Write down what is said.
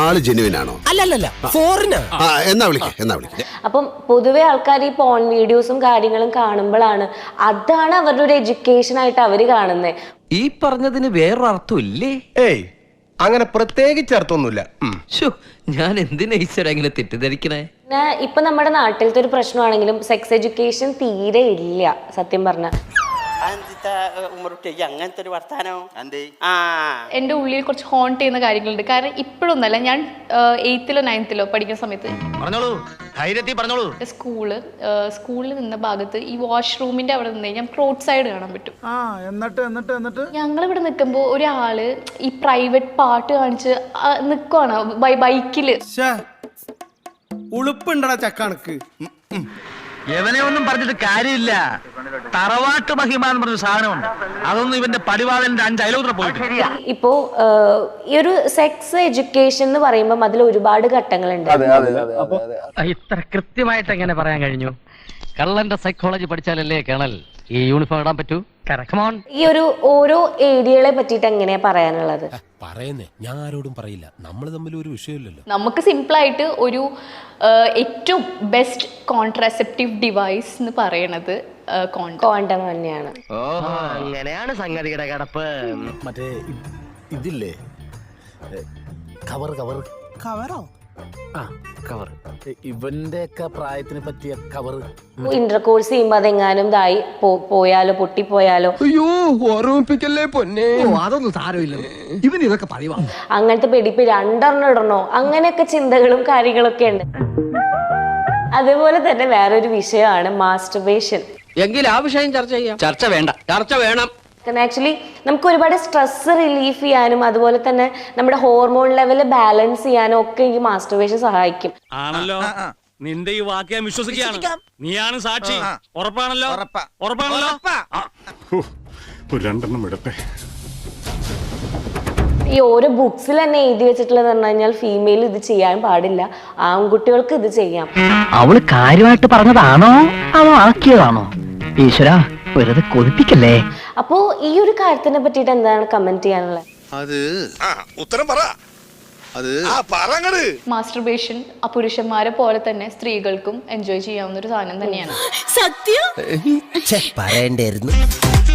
ആള് ജെനുവിനാണോ? അല്ലല്ല ഫോറിനാ. എന്നാ വിളിക്ക. അപ്പം പൊതുവെ ആൾക്കാർ ഈ പോൺ വീഡിയോസും കാര്യങ്ങളും കാണുമ്പോഴാണ് അതാണ് അവരുടെ ഒരു എഡ്യൂക്കേഷൻ ആയിട്ട് അവര് കാണുന്നത്. ഈ പറഞ്ഞതിന് വേറൊരർത്ഥം ഇല്ലേ? ഏയ് അങ്ങനെ പ്രത്യേകിച്ച് അർത്ഥമൊന്നുമില്ല. ഞാൻ എന്തിനാ ഈശ്വര ഇങ്ങനെ തെറ്റിദ്ധരിക്കണേ? പിന്നെ ഇപ്പൊ നമ്മുടെ നാട്ടിലത്തെ ഒരു പ്രശ്നമാണെങ്കിലും സെക്സ് എഡ്യൂക്കേഷൻ തീരെ ഇല്ല സത്യം പറഞ്ഞ. അങ്ങനത്തെ ഒരു വർത്താനോ എൻ്റെ ഉള്ളിൽ കുറച്ച് ഹോണ്ട് ചെയ്യുന്ന കാര്യങ്ങളുണ്ട്. കാരണം ഇപ്പോഴൊന്നല്ല, ഞാൻ 8th-ലോ 9th-ലോ പഠിക്കുന്ന സമയത്ത് സ്കൂളിൽ നിന്ന ഭാഗത്ത് ഈ വാഷ്റൂമിന്റെ അവിടെ നിന്ന് ഞാൻ റോഡ് സൈഡ് കാണാൻ പറ്റും. എന്നിട്ട് ഞങ്ങൾ ഇവിടെ നിൽക്കുമ്പോൾ ഒരാള് ഈ പ്രൈവറ്റ് പാട്ട് കാണിച്ച് നിൽക്കുവാണ് ബൈക്കില്. ഉളുപ്പുണ്ടടാ ചക്കണക്ക്. എവനെ ഒന്നും പറഞ്ഞിട്ട് കാര്യമില്ല. തറവാട്ട് മഹിമ എന്ന് പറഞ്ഞ സാധനമുണ്ട്. അതൊന്നും ഇവന്റെ പടിവാതിലിന്റെ 5 അയലോത്ര പോയിട്ട്. ഇപ്പോ ഈ ഒരു സെക്സ് എഡ്യൂക്കേഷൻ എന്ന് പറയുമ്പോൾ അതിൽ ഒരുപാട് ഘട്ടങ്ങളുണ്ട്. ഇത്ര കൃത്യമായിട്ട് എങ്ങനെ പറയാൻ കഴിഞ്ഞു? കള്ളന്റെ സൈക്കോളജി പഠിച്ചാലല്ലേ കേണൽ ഈ യൂണിഫോം ഇടാൻ പറ്റൂ. ഈ ഒരു ഓരോ ഏരിയകളെ പറ്റിയിട്ട് എങ്ങനെയാ പറയാനുള്ളത്? പറയുന്നേ, ഞാൻ ആരോടും പറയില്ല. നമ്മൾ തമ്മിൽ ഒരു വിഷയമില്ലല്ലോ. നമുക്ക് സിമ്പിളായിട്ട് ഒരു ഏറ്റവും ബെസ്റ്റ് കോൺട്രാസെപ്റ്റീവ് ഡിവൈസ് എന്ന് പറയണത് കോണ്ടം തന്നെയാണ്. അങ്ങനെയാണ് സംഗതിയുടെ കിടപ്പ്. മറ്റേ ഇതില്ലേ, കവറോ? കവർ. ഇവന്റെ ഒക്കെ പ്രായത്തിനെ പറ്റിയ കവർ. ഇന്റർകോഴ്സ് ചെയ്യുമ്പോ അതെങ്ങാനും ഇതായി പോയാലോ പൊട്ടിപ്പോയാലോ ഓർമ്മിപ്പിക്കല്ലേ പൊന്നെ. അതൊന്നും സാരമില്ല, ഇവൻ ഇതൊക്കെ പറയുവാ. അങ്ങനത്തെ പെടിപ്പ് 2 ഇടണോ, അങ്ങനെയൊക്കെ ചിന്തകളും കാര്യങ്ങളൊക്കെ ഉണ്ട്. അതേപോലെ തന്നെ വേറൊരു വിഷയമാണ് മാസ്റ്റർബേഷൻ. എങ്കിൽ ആ വിഷയം ചർച്ച ചെയ്യാം. ചർച്ച വേണം. ആക്ച്വലി നമുക്ക് ഒരുപാട് സ്ട്രെസ് റിലീഫ് ചെയ്യാനും അതുപോലെ തന്നെ നമ്മുടെ ഹോർമോൺ ലെവൽ ബാലൻസ് ചെയ്യാനും ഒക്കെ ഈ മാസ്റ്റർബേഷൻ സഹായിക്കും. ആണല്ലോ. നിന്റെ ഈ വാക്ക് ഞാൻ വിശ്വസിക്കുകയാണ്. നീയാണ് സാക്ഷി. ഉറപ്പാണല്ലോ? രണ്ടെണ്ണം ഇടട്ടെ. ഈ ഓരോ ബുക്സിൽ തന്നെ എഴുതി വെച്ചിട്ടുള്ളത് പറഞ്ഞു കഴിഞ്ഞാൽ ഫീമെയിൽ ഇത് ചെയ്യാൻ പാടില്ല, ആൺകുട്ടികൾക്ക് ഇത് ചെയ്യാം. അവള് കാര്യമായിട്ട് പറഞ്ഞതാണോ അതോ ആക്കിയതാണോ? ഈശ്വര, വെറുതെ കൊതിപ്പിക്കല്ലേ. അപ്പോ ഈ ഒരു കാര്യത്തിനെ പറ്റിയിട്ട് എന്താണ് കമന്റ് ചെയ്യാനുള്ളത്? മാസ്റ്റർബേഷൻ പുരുഷന്മാരെ പോലെ തന്നെ സ്ത്രീകൾക്കും എൻജോയ് ചെയ്യാവുന്ന ഒരു സാധനം തന്നെയാണ്. പറയണ്ടായിരുന്നു.